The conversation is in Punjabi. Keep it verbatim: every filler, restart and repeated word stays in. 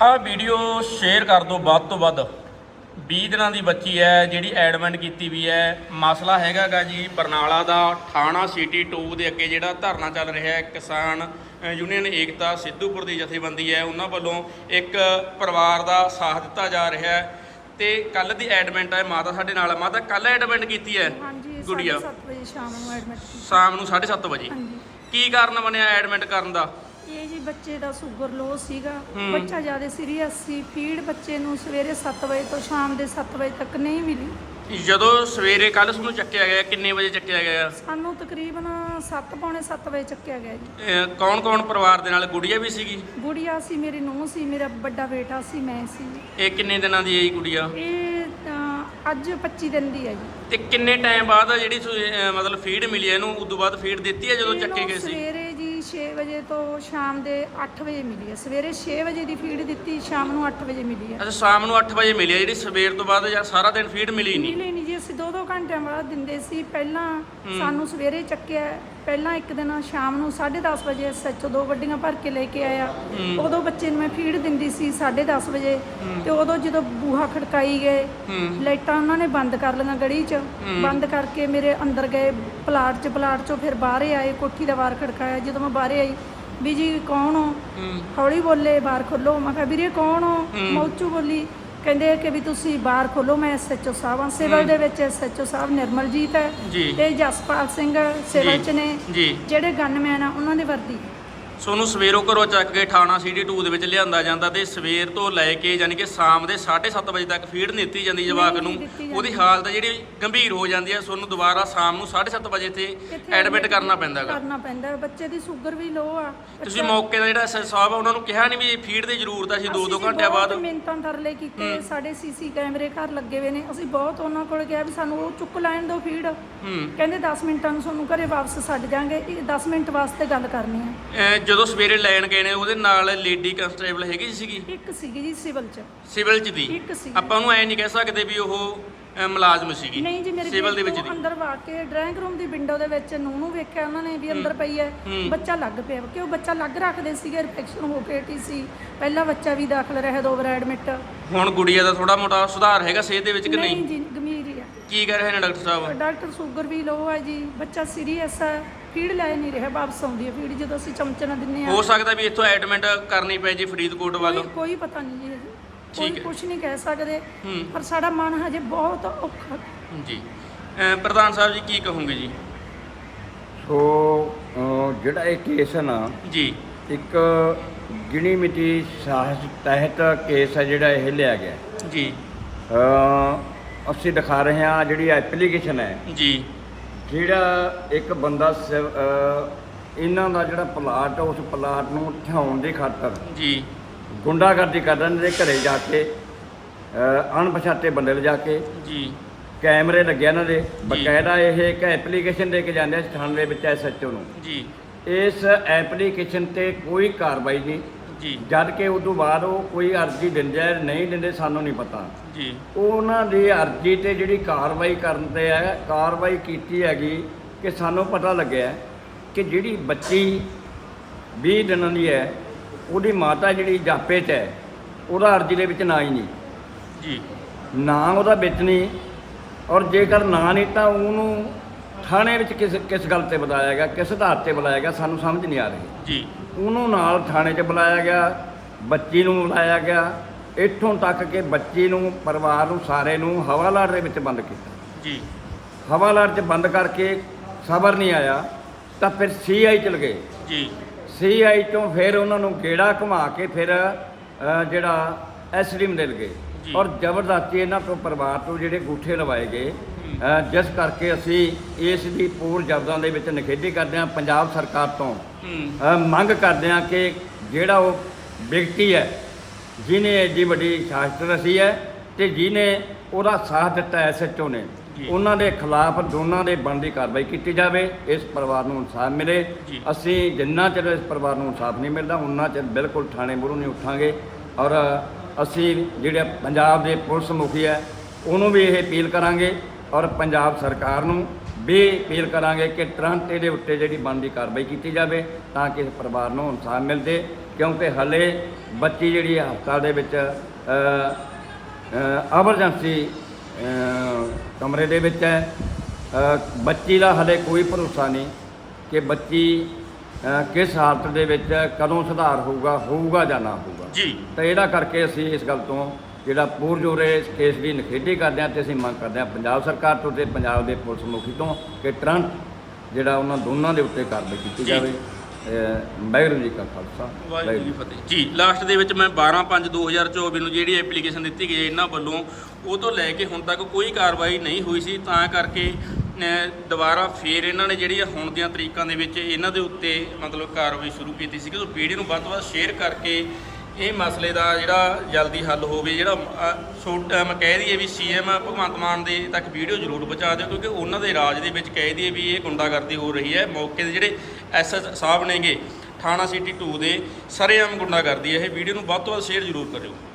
ਆ ਵੀਡੀਓ ਸ਼ੇਅਰ ਕਰ ਦਿਓ ਵੱਧ ਤੋਂ ਵੱਧ। ਵੀਹ ਦਿਨਾਂ ਦੀ ਬੱਚੀ ਹੈ ਜਿਹੜੀ ਐਡਮਿਟ ਕੀਤੀ ਵੀ ਹੈ। ਮਸਲਾ ਹੈਗਾ ਗਾ ਜੀ ਬਰਨਾਲਾ ਦਾ ਥਾਣਾ ਸਿਟੀ ਟੂ ਦੇ ਅੱਗੇ ਜਿਹੜਾ ਧਰਨਾ ਚੱਲ ਰਿਹਾ ਹੈ ਕਿਸਾਨ ਯੂਨੀਅਨ ਏਕਤਾ ਸਿੱਧੂਪੁਰ ਦੀ ਜਥੇਬੰਦੀ ਹੈ, ਉਹਨਾਂ ਵੱਲੋਂ ਇੱਕ ਪਰਿਵਾਰ ਦਾ ਸਾਥ ਦਿੱਤਾ ਜਾ ਰਿਹਾ ਹੈ। ਤੇ ਕੱਲ ਦੀ ਐਡਮਿਟ ਹੈ ਮਾਤਾ ਸਾਡੇ ਨਾਲ। ਮਾਤਾ ਕੱਲ ਐਡਮਿਟ ਕੀਤੀ ਹੈ ਗੁੜੀਆ ਸੱਤ ਵਜੇ ਸ਼ਾਮ ਨੂੰ ਐਡਮਿਟ ਕੀਤੀ। ਸ਼ਾਮ ਨੂੰ ਸਾਢੇ ਸੱਤ ਵਜੇ ਹਾਂਜੀ। ਕੀ ਕਾਰਨ ਬਣਿਆ ਐਡਮਿਟ ਕਰਨ ਦਾ? ਇਹ ਜੀ ਬੱਚੇ ਦਾ ਸ਼ੂਗਰ ਲੋ ਸੀਗਾ, ਬੱਚਾ ਜ਼ਿਆਦਾ ਸੀਰੀਅਸ ਸੀ। ਫੀਡ ਬੱਚੇ ਨੂੰ ਸਵੇਰੇ ਸੱਤ ਵਜੇ ਤੋਂ ਸ਼ਾਮ ਦੇ ਸੱਤ ਵਜੇ ਤੱਕ ਨਹੀਂ ਮਿਲੀ। ਜਦੋਂ ਸਵੇਰੇ ਕੱਲ ਤੁਹਾਨੂੰ ਚੱਕਿਆ ਗਿਆ ਕਿੰਨੇ ਵਜੇ ਚੱਕਿਆ ਗਿਆ? ਸਾਨੂੰ ਤਕਰੀਬਨ ਸੱਤ ਪੌਣੇ ਸੱਤ ਵਜੇ ਚੱਕਿਆ ਗਿਆ ਜੀ। ਕੌਣ ਕੌਣ ਪਰਿਵਾਰ ਦੇ ਨਾਲ? ਗੁੜੀਆ ਵੀ ਸੀਗੀ? ਗੁੜੀਆ ਸੀ, ਮੇਰੀ ਨੂੰਹ ਸੀ, ਮੇਰਾ ਵੱਡਾ ਬੇਟਾ ਸੀ, ਮੈਂ ਸੀ। ਇਹ ਕਿੰਨੇ ਦਿਨਾਂ ਦੀ ਹੈ ਜੀ ਗੁੜੀਆ? ਇਹ ਤਾਂ ਅੱਜ ਪੱਚੀ ਦਿਨ ਦੀ ਹੈ ਜੀ। ਤੇ ਕਿੰਨੇ ਟਾਈਮ ਬਾਅਦ ਜਿਹੜੀ ਅਹ ਮਤਲਬ ਫੀਡ ਮਿਲੀ ਹੈ ਇਹਨੂੰ? ਉਦੋਂ ਬਾਅਦ ਫੀਡ ਦਿੱਤੀ ਹੈ ਜਦੋਂ ਚੱਕੇ ਗਏ ਸੀ? ਸਵੇਰੇ ਜੀ ਛੇ ਵਜੇ ਤੋਂ ਸ਼ਾਮ ਦੇ ਅੱਠ ਵਜੇ ਮਿਲੀ ਹੈ। ਸਵੇਰੇ ਛੇ ਵਜੇ ਦੀ ਫੀਡ ਦਿੱਤੀ, ਸ਼ਾਮ ਨੂੰ ਅੱਠ ਵਜੇ ਮਿਲੀ ਹੈ। ਅੱਛਾ, ਸ਼ਾਮ ਨੂੰ ਅੱਠ ਵਜੇ ਮਿਲੀ ਹੈ ਜਿਹੜੀ ਸਵੇਰ ਤੋਂ ਬਾਅਦ ਜਾਂ ਸਾਰਾ ਦਿਨ ਫੀਡ ਮਿਲੀ ਨਹੀਂ? ਮਿਲੀ ਨਹੀਂ ਜੀ, ਅਸੀਂ ਦੋ ਦੋ ਘੰਟਿਆਂ ਬਾਅਦ ਦਿੰਦੇ ਸੀ। ਪਹਿਲਾਂ ਸਾਨੂੰ ਸਵੇਰੇ ਚੱਕਿਆ, ਪਹਿਲਾਂ ਇੱਕ ਦਿਨ ਸ਼ਾਮ ਨੂੰ ਸਾਢੇ ਦਸ ਵਜੇ ਸੱਚ ਦੋ ਗੱਡੀਆਂ ਭਰ ਕੇ ਲੈ ਕੇ ਆਇਆ। ਉਦੋਂ ਬੱਚੇ ਨੂੰ ਮੈਂ ਫੀਡ ਦਿੰਦੀ ਸੀ ਸਾਢੇ ਦਸ ਵਜੇ। ਤੇ ਉਦੋਂ ਜਦੋਂ ਬੂਹਾ ਖੜਕਾਈ ਗਏ, ਲਾਈਟਾਂ ਉਹਨਾਂ ਨੇ ਬੰਦ ਕਰ ਲਈਆਂ ਗਲੀ 'ਚ, ਬੰਦ ਕਰਕੇ ਮੇਰੇ ਅੰਦਰ ਗਏ ਪਲਾਟ 'ਚ। ਪਲਾਟ 'ਚੋਂ ਫਿਰ ਬਾਹਰ ਆਏ, ਕੋਠੀ ਦਾ ਬਾਰ ਖੜਕਾਇਆ। ਜਦੋਂ ਮੈਂ ਬਾਹਰ ਆਈ, ਵੀ ਜੀ ਕੌਣ ਹੋ? ਹੌਲੀ ਬੋਲੇ, ਬਾਹਰ ਖੋਲੋ। ਮੈਂ ਕਿਹਾ ਵੀਰੇ ਕੌਣ ਹੋ? ਮੌਚੂ ਬੋਲੀ। ਕਹਿੰਦੇ ਕਿ ਵੀ ਤੁਸੀਂ ਬਾਹਰ ਖੋਲੋ, ਮੈਂ ਐਸ ਐਚ ਓ ਸਾਹਿਬ ਹਾਂ। ਸਿਵਲ ਦੇ ਵਿੱਚ ਐਸ ਐਚ ਓ ਸਾਹਿਬ ਨਿਰਮਲਜੀਤ ਹੈ ਤੇ ਜਸਪਾਲ ਸਿੰਘ ਸਿਵਲ 'ਚ ਨੇ। ਜਿਹੜੇ ਗਨਮੈਨ ਆ ਉਹਨਾਂ ਦੇ ਵਰਦੀ। ਸੋਨੂੰ ਸਵੇਰੋਂ ਘਰੋਂ ਚੱਕ ਕੇ ਥਾਣਾ ਸਿਟੀ ਟੂ ਦੇ ਵਿੱਚ ਲਿਆਂਦਾ ਜਾਂਦਾ ਤੇ ਸਵੇਰ ਤੋਂ ਲੈ ਕੇ ਯਾਨੀ ਕਿ ਸ਼ਾਮ ਦੇ ਸਾਢੇ ਸੱਤ ਵਜੇ ਤੱਕ ਫੀਡ ਨਹੀਂ ਦਿੱਤੀ ਜਾਂਦੀ ਜਵਾਕ ਨੂੰ। ਉਹਦੀ ਹਾਲਤ ਜਿਹੜੀ ਗੰਭੀਰ ਹੋ ਜਾਂਦੀ ਹੈ। ਸੋਨੂੰ ਦੁਬਾਰਾ ਸ਼ਾਮ ਨੂੰ ਸਾਢੇ ਸੱਤ ਵਜੇ ਤੇ ਐਡਮਿਟ ਕਰਨਾ ਪੈਂਦਾ ਹੈਗਾ। ਕਰਨਾ ਪੈਂਦਾ। ਬੱਚੇ ਦੀ ਸ਼ੂਗਰ ਵੀ ਲੋ ਆ। ਤੁਸੀਂ ਮੌਕੇ ਦਾ ਜਿਹੜਾ ਐਸ ਐਚ ਓ ਸਾਹਿਬ ਆ ਉਹਨਾਂ ਨੂੰ ਕਿਹਾ ਨਹੀਂ ਵੀ ਫੀਡ ਦੀ ਜ਼ਰੂਰਤ ਹੈ? ਅਸੀਂ ਦੋ ਦੋ ਘੰਟਿਆਂ ਬਾਅਦ ਮਿੰਟਾਂ ਤਰਲੇ ਕੀਤੇ। ਸਾਡੇ ਸੀਸੀ ਕੈਮਰੇ ਘਰ ਲੱਗੇ ਹੋਏ ਨੇ। ਅਸੀਂ ਬਹੁਤ ਉਹਨਾਂ ਕੋਲ ਕਿਹਾ ਵੀ ਸਾਨੂੰ ਉਹ ਚੁੱਕ ਲੈਣ ਦਿਓ ਫੀਡ। ਕਹਿੰਦੇ ਦਸ ਮਿੰਟਾਂ ਨੂੰ ਤੁਹਾਨੂੰ ਘਰੇ ਵਾਪਸ ਛੱਡ ਜਾਾਂਗੇ, ਦਸ ਮਿੰਟ ਵਾਸਤੇ ਗੱਲ ਕਰਨੀ ਹੈ। ਜਦੋਂ ਸਵੇਰੇ ਲੈਣ ਗਏ ਨੇ ਉਹਦੇ ਨਾਲ ਲੇਡੀ ਕਨਸਟੇਬਲ ਹੈਗੀ ਸੀਗੀ? ਇੱਕ ਸੀਗੀ ਜੀ ਸਿਵਲ 'ਚ। ਸਿਵਲ 'ਚ ਦੀ? ਇੱਕ ਸੀ। ਆਪਾਂ ਉਹਨੂੰ ਐ ਨਹੀਂ ਕਹਿ ਸਕਦੇ ਵੀ ਉਹ ਮੁਲਾਜ਼ਮ ਸੀਗੀ? ਨਹੀਂ ਜੀ, ਮੇਰੇ ਸਿਵਲ ਦੇ ਵਿੱਚ ਦੀ ਅੰਦਰ ਵਾ ਕੇ ਡਰਾਇੰਗ ਰੂਮ ਦੀ ਵਿੰਡੋ ਦੇ ਵਿੱਚ ਨੂੰ ਨੂੰ ਵੇਖਿਆ ਉਹਨਾਂ ਨੇ ਵੀ ਅੰਦਰ ਪਈ ਹੈ। ਬੱਚਾ ਲੱਗ ਪਿਆ ਕਿ ਉਹ ਬੱਚਾ ਲੱਗ ਰੱਖਦੇ ਸੀਗੇ। ਇਨਫੈਕਸ਼ਨ ਹੋ ਕੇ ਟੀ ਸੀ ਪਹਿਲਾ ਬੱਚਾ ਵੀ ਦਾਖਲ ਰਿਹਾ ਦੋ ਵਾਰ ਐਡਮਿਟ। ਹੁਣ ਗੁੜੀਆ ਦਾ ਥੋੜਾ ਮੋਟਾ ਸੁਧਾਰ ਹੈਗਾ ਸਿਹਤ ਦੇ ਵਿੱਚ ਕਿ ਨਹੀਂ? ਨਹੀਂ ਜੀ, ਗੰਭੀਰ ਹੀ ਆ। ਕੀ ਕਹਿ ਰਹੇ ਨੇ ਡਾਕਟਰ ਸਾਹਿਬ? ਡਾਕਟਰ ਸ਼ੂਗਰ ਵੀ ਲੋ ਹੈ ਜੀ, ਬੱਚਾ ਸੀਰੀਅਸ ਹੈ, ਫੀਡ ਲੈ ਨਹੀਂ ਰਿਹਾ, ਵਾਪਸ ਆਉਂਦੀ ਹੈ ਫੀਡ ਜਦੋਂ ਅਸੀਂ ਚਮਚੇ ਨਾਲ ਦਿੰਦੇ ਆ। ਹੋ ਸਕਦਾ ਵੀ ਇੱਥੋਂ ਐਡਮਿਟ ਕਰਨੀ ਪੈ ਜੀ ਫਰੀਦਕੋਟ ਵੱਲ? ਕੋਈ ਪਤਾ ਨਹੀਂ ਜੀ, ਕੋਈ ਕੁਝ ਨਹੀਂ ਕਹਿ ਸਕਦੇ, ਪਰ ਸਾਡਾ ਮਨ ਹਜੇ ਬਹੁਤ ਔਖਾ ਜੀ। ਪ੍ਰਧਾਨ ਸਾਹਿਬ ਜੀ ਕੀ ਕਹੋਗੇ ਜੀ? ਸੋ ਜਿਹੜਾ ਇਹ ਕੇਸ ਹੈ ਨਾ ਜੀ, ਇੱਕ ਗਿਣੀ ਮਿਤੀ ਸਾਹਸ ਤਹਿਤ ਕੇਸ ਹੈ ਜਿਹੜਾ ਇਹ ਲਿਆ ਗਿਆ ਜੀ। ਅਸੀਂ ਦਿਖਾ ਰਹੇ ਹਾਂ ਜਿਹੜੀ ਐਪਲੀਕੇਸ਼ਨ ਹੈ ਜੀ। ਜਿਹੜਾ ਇੱਕ ਬੰਦਾ ਇਹਨਾਂ ਦਾ ਜਿਹੜਾ ਪਲਾਟ ਉਸ ਪਲਾਟ ਨੂੰ ਠਿਆਉਣ ਦੀ ਖਾਤਰ ਜੀ ਗੁੰਡਾਗਰਦੀ ਕਰਨ ਦੇ ਘਰੇ ਜਾ ਕੇ ਅਣਪਛਾਤੇ ਬੰਦੇ ਲਿਜਾ ਕੇ ਜੀ ਕੈਮਰੇ ਲੱਗੇ ਇਹਨਾਂ ਦੇ ਬਕਾਇਦਾ ਇਹ ਇੱਕ ਐਪਲੀਕੇਸ਼ਨ ਦੇ ਕੇ ਜਾਂਦੇ ਆ ਥਾਣੇ ਦੇ ਵਿੱਚ ਐਸ ਐਚ ਓ ਨੂੰ ਜੀ। ਇਸ ਐਪਲੀਕੇਸ਼ਨ ਤੇ ਕੋਈ ਕਾਰਵਾਈ ਨਹੀਂ ਜੀ, ਜਦ ਕਿ ਉਸ ਤੋਂ ਬਾਅਦ ਉਹ ਕੋਈ ਅਰਜ਼ੀ ਦਿੰਦੇ ਆ ਨਹੀਂ ਦਿੰਦੇ ਸਾਨੂੰ ਨਹੀਂ ਪਤਾ ਜੀ। ਉਹਨਾਂ ਦੀ ਅਰਜ਼ੀ ਤੇ ਜਿਹੜੀ ਕਾਰਵਾਈ ਕਰਨ ਤੇ ਹੈ ਕਾਰਵਾਈ ਕੀਤੀ ਹੈਗੀ ਕਿ ਸਾਨੂੰ ਪਤਾ ਲੱਗਿਆ ਕਿ ਜਿਹੜੀ ਬੱਚੀ ਵੀਹ ਦਿਨਾਂ ਦੀ ਹੈ ਉਹਦੀ ਮਾਤਾ ਜਿਹੜੀ ਜਾਪੇ 'ਚ ਹੈ ਉਹਦਾ ਅਰਜ਼ੀ ਦੇ ਵਿੱਚ ਨਾਂ ਹੀ ਨਹੀਂ ਜੀ, ਨਾਂ ਉਹਦਾ ਵਿੱਚ ਨਹੀਂ। ਔਰ ਜੇਕਰ ਨਾਂ ਨਹੀਂ ਤਾਂ ਉਹਨੂੰ ਥਾਣੇ ਵਿੱਚ ਕਿਸ ਕਿਸ ਗੱਲ 'ਤੇ ਬੁਲਾਇਆ ਗਿਆ, ਕਿਸ ਆਧਾਰ 'ਤੇ ਬੁਲਾਇਆ ਗਿਆ ਸਾਨੂੰ ਸਮਝ ਨਹੀਂ ਆ ਰਹੀ ਜੀ। ਉਹਨੂੰ ਨਾਲ ਥਾਣੇ 'ਚ ਬੁਲਾਇਆ ਗਿਆ, ਬੱਚੀ ਨੂੰ ਬੁਲਾਇਆ ਗਿਆ, ਇੱਥੋਂ ਤੱਕ ਕਿ ਬੱਚੀ ਨੂੰ ਪਰਿਵਾਰ ਨੂੰ ਸਾਰੇ ਨੂੰ ਹਵਾਲਾਤ ਦੇ ਵਿੱਚ ਬੰਦ ਕੀਤਾ ਜੀ। ਹਵਾਲਾਤ 'ਚ ਬੰਦ ਕਰਕੇ ਸਬਰ ਨਹੀਂ ਆਇਆ ਤਾਂ ਫਿਰ ਸੀ ਆਈ ਚਲ ਗਏ ਜੀ। ਸੀ ਆਈ ਤੋਂ ਫਿਰ ਉਹਨਾਂ ਨੂੰ ਗੇੜਾ ਘੁਮਾ ਕੇ ਫਿਰ ਜਿਹੜਾ ਐਸ ਡੀ ਮਿਲ ਗਏ ਔਰ ਜ਼ਬਰਦਸਤੀ ਇਹਨਾਂ ਤੋਂ ਪਰਿਵਾਰ ਤੋਂ ਜਿਹੜੇ ਗੂਠੇ ਲਵਾਏ ਗਏ, ਜਿਸ ਕਰਕੇ ਅਸੀਂ ਇਸ ਦੀ ਪੂਰ ਜ਼ਬਦਾਂ ਦੇ ਵਿੱਚ ਨਿਖੇਧੀ ਕਰਦੇ ਹਾਂ। ਪੰਜਾਬ ਸਰਕਾਰ ਤੋਂ ਮੰਗ ਕਰਦੇ ਹਾਂ ਕਿ ਜਿਹੜਾ ਉਹ ਵਿਅਕਤੀ ਹੈ ਜਿਹਨੇ ਐਡੀ ਵੱਡੀ ਸ਼ਹਾਦਤ ਰਚੀ ਹੈ ਤੇ ਜਿਹਨੇ ਉਹਦਾ ਸਾਥ ਦਿੱਤਾ ਐਸ ਐਚ ਓ ਨੇ, ਉਹਨਾਂ ਦੇ ਖਿਲਾਫ ਦੋਨਾਂ ਦੇ ਬਣਦੀ ਕਾਰਵਾਈ ਕੀਤੀ ਜਾਵੇ, ਇਸ ਪਰਿਵਾਰ ਨੂੰ ਇਨਸਾਫ ਮਿਲੇ। ਅਸੀਂ ਜਿੰਨਾ ਚਿਰ ਇਸ ਪਰਿਵਾਰ ਨੂੰ ਇਨਸਾਫ ਨਹੀਂ ਮਿਲਦਾ ਉਹਨਾਂ ਚਿਰ ਬਿਲਕੁਲ ਥਾਣੇ ਮੂਹਰੋਂ ਨਹੀਂ ਉੱਠਾਂਗੇ। ਔਰ ਅਸੀਂ ਜਿਹੜੇ ਪੰਜਾਬ ਦੇ ਪੁਲਿਸ ਮੁਖੀ ਹੈ ਉਹਨੂੰ ਵੀ ਇਹ ਅਪੀਲ ਕਰਾਂਗੇ ਔਰ ਪੰਜਾਬ ਸਰਕਾਰ ਨੂੰ ਵੀ ਅਪੀਲ ਕਰਾਂਗੇ ਕਿ ਤੁਰੰਤ ਇਹਦੇ ਉੱਤੇ ਜਿਹੜੀ ਬਣਦੀ ਕਾਰਵਾਈ ਕੀਤੀ ਜਾਵੇ ਤਾਂ ਕਿ ਇਸ ਪਰਿਵਾਰ ਨੂੰ ਇਨਸਾਫ ਮਿਲਦੇ। ਕਿਉਂਕਿ ਹਲੇ ਬੱਚੀ ਜਿਹੜੀ ਹਸਪਤਾਲ ਦੇ ਵਿੱਚ ਐਮਰਜੈਂਸੀ ਕਮਰੇ ਦੇ ਵਿੱਚ ਹੈ। ਅ, ਬੱਚੀ ਦਾ ਹਲੇ ਕੋਈ ਭਰੋਸਾ ਨਹੀਂ ਕਿ ਬੱਚੀ ਅ, ਕਿਸ ਹਾਲਤ ਦੇ ਵਿੱਚ ਕਦੋਂ ਸੁਧਾਰ ਹੋਊਗਾ ਹੋਊਗਾ ਜਾਂ ਨਾ ਹੋਊਗਾ ਜੀ। ਤਾਂ ਇਹਦਾ ਕਰਕੇ ਅਸੀਂ ਇਸ ਗੱਲ ਤੋਂ ਜਿਹੜਾ ਪੂਰਜ਼ੋਰੇ ਇਸ ਕੇਸ ਦੀ ਨਿਖੇਧੀ ਕਰਦੇ ਹਾਂ, ਅਤੇ ਅਸੀਂ ਮੰਗ ਕਰਦੇ ਹਾਂ ਪੰਜਾਬ ਸਰਕਾਰ ਤੋਂ ਅਤੇ ਪੰਜਾਬ ਦੇ ਪੁਲਿਸ ਮੁਖੀ ਤੋਂ ਕਿ ਤੁਰੰਤ ਜਿਹੜਾ ਉਹਨਾਂ ਦੋਨਾਂ ਦੇ ਉੱਤੇ ਕਾਰਵਾਈ ਕੀਤੀ ਜੀ। ਜਾਵੇ। ਅ, ਵਾਹਿਗੁਰੂ ਜੀ ਕਾ ਖਾਲਸਾ ਵਾਹਿਗੁਰੂ ਜੀ ਕੀ ਫਤਿਹ ਜੀ। ਲਾਸਟ ਦੇ ਵਿੱਚ ਮੈਂ ਬਾਰਾਂ ਪੰਜ ਦੋ ਹਜ਼ਾਰ ਚੌਵੀ ਨੂੰ ਜਿਹੜੀ ਐਪਲੀਕੇਸ਼ਨ ਦਿੱਤੀ ਗਈ ਹੈ ਇਹਨਾਂ ਵੱਲੋਂ, ਉਹ ਤੋਂ ਲੈ ਕੇ ਹੁਣ ਤੱਕ ਕੋਈ ਕਾਰਵਾਈ ਨਹੀਂ ਹੋਈ ਸੀ, ਤਾਂ ਕਰਕੇ ਅ, ਦੁਬਾਰਾ ਫੇਰ ਇਹਨਾਂ ਨੇ ਜਿਹੜੀ ਹੁਣ ਦੀਆਂ ਤਰੀਕਾਂ ਦੇ ਵਿੱਚ ਇਹਨਾਂ ਦੇ ਉੱਤੇ ਮਤਲਬ ਕਾਰਵਾਈ ਸ਼ੁਰੂ ਕੀਤੀ ਸੀ ਕਿ ਉਹ ਵੀਡੀਓ ਨੂੰ ਵੱਧ ਤੋਂ ਵੱਧ ਸ਼ੇਅਰ ਕਰਕੇ ਇਹ ਮਸਲੇ ਦਾ ਜਿਹੜਾ ਜਲਦੀ ਹੱਲ ਹੋਵੇ। ਜਿਹੜਾ ਅ, ਛੋਟਾ ਮੈਂ ਕਹਿ ਦਈਏ ਵੀ ਸੀਐਮ ਭਗਵੰਤ ਮਾਨ ਦੇ ਤੱਕ ਵੀਡੀਓ ਜ਼ਰੂਰ ਪਹੁੰਚਾ ਦਿਓ, ਕਿਉਂਕਿ ਉਹਨਾਂ ਦੇ ਰਾਜ ਦੇ ਵਿੱਚ ਕਹਿ ਦਈਏ ਵੀ ਇਹ ਗੁੰਡਾਗਰਦੀ ਹੋ ਰਹੀ ਹੈ। ਮੌਕੇ ਦੇ ਜਿਹੜੇ ਐਸਐਚ ਸਾਹਿਬ ਨੇਗੇ ਥਾਣਾ ਸਿਟੀ ਟੂ ਦੇ, ਸਰੇਆਮ ਗੁੰਡਾਗਰਦੀ ਹੈ। ਇਹ ਵੀਡੀਓ ਨੂੰ ਵੱਧ ਤੋਂ ਵੱਧ ਸ਼ੇਅਰ ਜ਼ਰੂਰ ਕਰਿਓ।